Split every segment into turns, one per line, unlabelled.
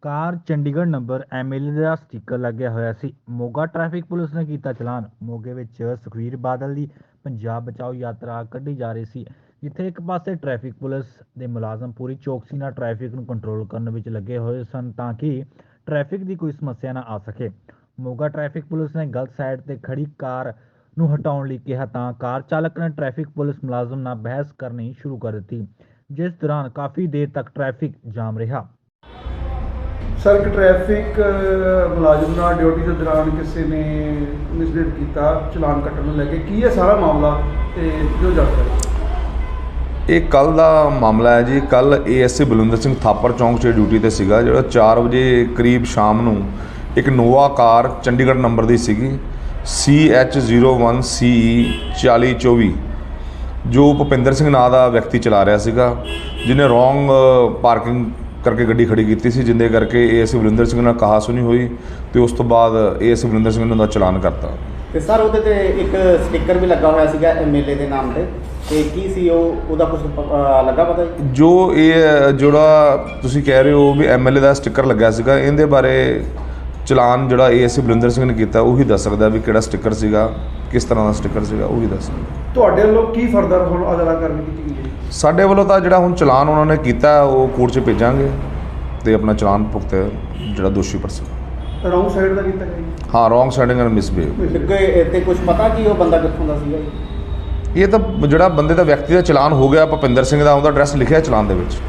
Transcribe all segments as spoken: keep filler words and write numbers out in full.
ਕਾਰ Chandigarh number MLA ਦਾ sticker ਲੱਗਿਆ ਹੋਇਆ ਸੀ। ਮੋਗਾ ਟ੍ਰੈਫਿਕ ਪੁਲਿਸ ਨੇ ਕੀਤਾ ਚਲਾਨ। ਮੋਗੇ ਵਿੱਚ ਸੁਖਬੀਰ ਬਾਦਲ ਦੀ ਪੰਜਾਬ ਬਚਾਓ ਯਾਤਰਾ ਕੱਢੀ ਜਾ ਰਹੀ ਸੀ, ਜਿੱਥੇ ਇੱਕ ਪਾਸੇ ਟ੍ਰੈਫਿਕ ਪੁਲਿਸ ਦੇ ਮੁਲਾਜ਼ਮ ਪੂਰੀ ਚੌਕਸੀ ਨਾਲ ਟ੍ਰੈਫਿਕ ਨੂੰ ਕੰਟਰੋਲ ਕਰਨ ਵਿੱਚ ਲੱਗੇ ਹੋਏ ਸਨ ਤਾਂ ਕਿ ਟ੍ਰੈਫਿਕ ਦੀ ਕੋਈ ਸਮੱਸਿਆ ਨਾ ਆ ਸਕੇ। ਮੋਗਾ ਟ੍ਰੈਫਿਕ ਪੁਲਿਸ ਨੇ ਗਲਤ ਸਾਈਡ ਤੇ ਖੜੀ ਕਾਰ ਨੂੰ ਹਟਾਉਣ ਲਈ ਕਿਹਾ ਤਾਂ ਕਾਰ ਚਾਲਕ ਨੇ ਟ੍ਰੈਫਿਕ ਪੁਲਿਸ ਮੁਲਾਜ਼ਮ ਨਾਲ ਬਹਿਸ ਕਰਨੀ ਸ਼ੁਰੂ ਕਰ ਦਿੱਤੀ, ਜਿਸ ਦੌਰਾਨ ਕਾਫੀ ਦੇਰ ਤੱਕ ਟ੍ਰੈਫਿਕ ਜਾਮ ਰਿਹਾ।
ਸਰ, ਇੱਕ ਟ੍ਰੈਫਿਕ ਮੁਲਾਜ਼ਮ ਨਾਲ ਡਿਊਟੀ ਦੇ ਦੌਰਾਨ ਕਿਸੇ ਨੇ ਮਿਸਬੀਹੇਵ ਕੀਤਾ, ਚਲਾਨ ਕੱਟਣ ਨੂੰ ਲੈ ਕੇ ਕੀ ਹੈ ਸਾਰਾ ਮਾਮਲਾ ਤੇ ਜੋ ਜਾਣਕਾਰੀ।
ਇਹ ਕੱਲ੍ਹ ਦਾ ਮਾਮਲਾ ਹੈ ਜੀ। ਕੱਲ੍ਹ ਏਐਸਏ ਬਲਵਿੰਦਰ ਸਿੰਘ ਥਾਪਰ ਚੌਂਕ 'ਚ ਡਿਊਟੀ 'ਤੇ ਸੀਗਾ, ਜਿਹੜਾ ਚਾਰ ਵਜੇ ਕਰੀਬ ਸ਼ਾਮ ਨੂੰ ਇੱਕ ਨੋਵਾ ਕਾਰ ਚੰਡੀਗੜ੍ਹ ਨੰਬਰ ਦੀ ਸੀਗੀ C H zero one C E ਚਾਲੀ ਚੌਵੀ, ਜੋ ਭੁਪਿੰਦਰ ਸਿੰਘ ਨਾਂ ਦਾ ਵਿਅਕਤੀ ਚਲਾ ਰਿਹਾ ਸੀਗਾ, ਜਿਹਨੇ ਰੋਂਗ ਪਾਰਕਿੰਗ ਕਰਕੇ ਗੱਡੀ ਖੜੀ ਕੀਤੀ ਸੀ, ਜਿੰਦੇ ਕਰਕੇ ਏਐਸਏ ਬਲਵਿੰਦਰ ਸਿੰਘ ਨਾਲ ਕਹਾ ਸੁਣੀ ਹੋਈ ਤੇ ਉਸ ਤੋਂ ਬਾਅਦ ਏਐਸਏ ਬਲਵਿੰਦਰ ਸਿੰਘ ਨੇ ਉਹਦਾ ਚਲਾਨ ਕਰਤਾ।
ਤੇ ਸਰ, ਉਹਦੇ ਤੇ ਇੱਕ ਸਟicker ਵੀ ਲੱਗਾ ਹੋਇਆ ਸੀਗਾ ਐਮਐਲਏ ਦੇ ਨਾਮ ਤੇ, ਤੇ ਕੀ ਸੀ ਉਹ, ਉਹਦਾ ਕੁਝ ਲੱਗਾ ਪਤਾ ਜੀ?
ਜੋ ਇਹ ਜਿਹੜਾ ਤੁਸੀਂ ਕਹਿ ਰਹੇ ਹੋ ਵੀ ਐਮਐਲਏ ਦਾ ਸਟicker ਲੱਗਾ ਸੀਗਾ, ਇਹਦੇ ਬਾਰੇ ਚਲਾਨ ਜਿਹੜਾ ਏਐਸਏ ਬਲਵਿੰਦਰ ਸਿੰਘ ਨੇ ਕੀਤਾ ਉਹੀ ਦੱਸ ਸਕਦਾ ਵੀ ਕਿਹੜਾ ਸਟicker ਸੀਗਾ, ਕਿਸ ਤਰ੍ਹਾਂ ਦਾ ਸਟicker ਸੀਗਾ, ਉਹੀ ਦੱਸ ਸਕਦਾ।
ਤੁਹਾਡੇ ਵੱਲੋਂ ਕੀ ਫਰਦਰ ਹੁਣ ਅਗਲਾ ਕਾਰਵਾਈ ਕੀਤੀ ਗਈ ਹੈ?
ਸਾਡੇ ਵੱਲੋਂ ਤਾਂ ਜਿਹੜਾ ਹੁਣ ਚਲਾਨ ਉਹਨਾਂ ਨੇ ਕੀਤਾ ਉਹ ਕੋਰਟ 'ਚ ਭੇਜਾਂਗੇ ਤੇ ਆਪਣਾ ਚਲਾਨ ਭੁਗਤ ਜਿਹੜਾ ਦੋਸ਼ੀ ਪਰਸਨ।
ਰੌਂਗ ਸਾਈਡ ਦਾ ਕੀਤਾ ਗਿਆ ਜੀ?
ਹਾਂ, ਰੋਂਗ ਸਾਈਡਿੰਗ ਐਂਡ ਮਿਸਬਿਹੇਵ।
ਤੇ ਕੁਝ ਪਤਾ ਕਿ ਉਹ ਬੰਦਾ ਕਿੱਥੋਂ ਦਾ ਸੀਗਾ ਜੀ?
ਇਹ ਤਾਂ ਜਿਹੜਾ ਬੰਦੇ ਦਾ ਵਿਅਕਤੀ ਦਾ ਚਲਾਨ ਹੋ ਗਿਆ ਭੁਪਿੰਦਰ ਸਿੰਘ ਦਾ, ਉਹਦਾ ਐਡਰੈਸ ਲਿਖਿਆ ਚਲਾਨ ਦੇ ਵਿੱਚ।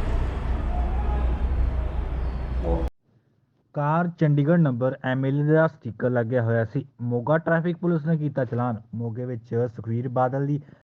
ਕਾਰ ਚੰਡੀਗੜ੍ਹ ਨੰਬਰ ਐਮਐਲਏ ਦਾ ਸਟicker ਲੱਗਿਆ ਹੋਇਆ ਸੀ। ਮੋਗਾ ਟ੍ਰੈਫਿਕ ਪੁਲਿਸ ਨੇ ਕੀਤਾ ਚਲਾਨ। ਮੋਗੇ ਵਿੱਚ ਸੁਖਬੀਰ ਬਾਦਲ ਦੀ